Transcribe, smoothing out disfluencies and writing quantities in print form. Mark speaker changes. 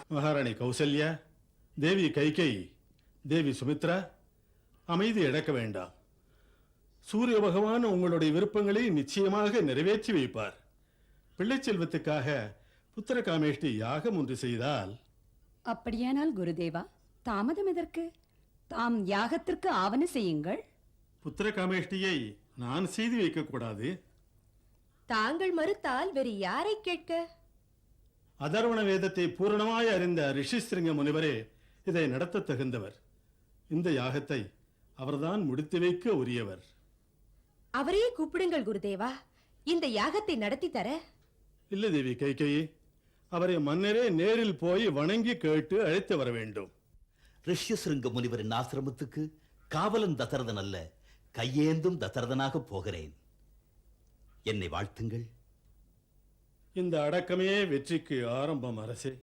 Speaker 1: மகாராணி கௌசல்யா, தேவி கைகேயி, தேவி சுமித்ரா, அமைதி இழக்க வேண்டாம். சூரிய பகவான் உங்களுடைய விருப்பங்களை நிச்சயமாக நிறைவேற்றி வைப்பார். பிள்ளை செல்வத்துக்காக புத்திர காமேஷ்டி யாகம் ஒன்று செய்தால்.
Speaker 2: அப்படியானால் குருதேவா, தாமதம் எதற்கு? தாம் யாகத்திற்கு ஆவண செய்யுங்கள்.
Speaker 1: புத்திர காமேஷ்டியை நான் செய்து வைக்க கூடாது.
Speaker 3: தாங்கள் மறுத்தால் வேறு யாரை கேட்க?
Speaker 1: அதர்வண வேதத்தை பூரணமாய் அறிந்த ரிஷிஸ்ருங்க முனிவரே இதை நடத்த தகுந்தவர். இந்த யாகத்தை அவர்தான் முடித்து வைக்க உரியவர்.
Speaker 3: அவரையே கூப்பிடுங்கள் குருதேவா, இந்த யாகத்தை நடத்தி தர.
Speaker 1: இல்லை தேவி கைகேயி, அவரை மன்னரே நேரில் போய் வணங்கி கேட்டு அழைத்து வர வேண்டும்.
Speaker 4: ரிஷ்யசிருங்க முனிவரின் ஆசிரமத்துக்கு காவலன் தசரதன் அல்ல, கையேந்தும் தசரதனாக போகிறேன். என்னை வாழ்த்துங்கள்.
Speaker 1: இந்த அடக்கமே வெற்றிக்கு ஆரம்பம் அரசே.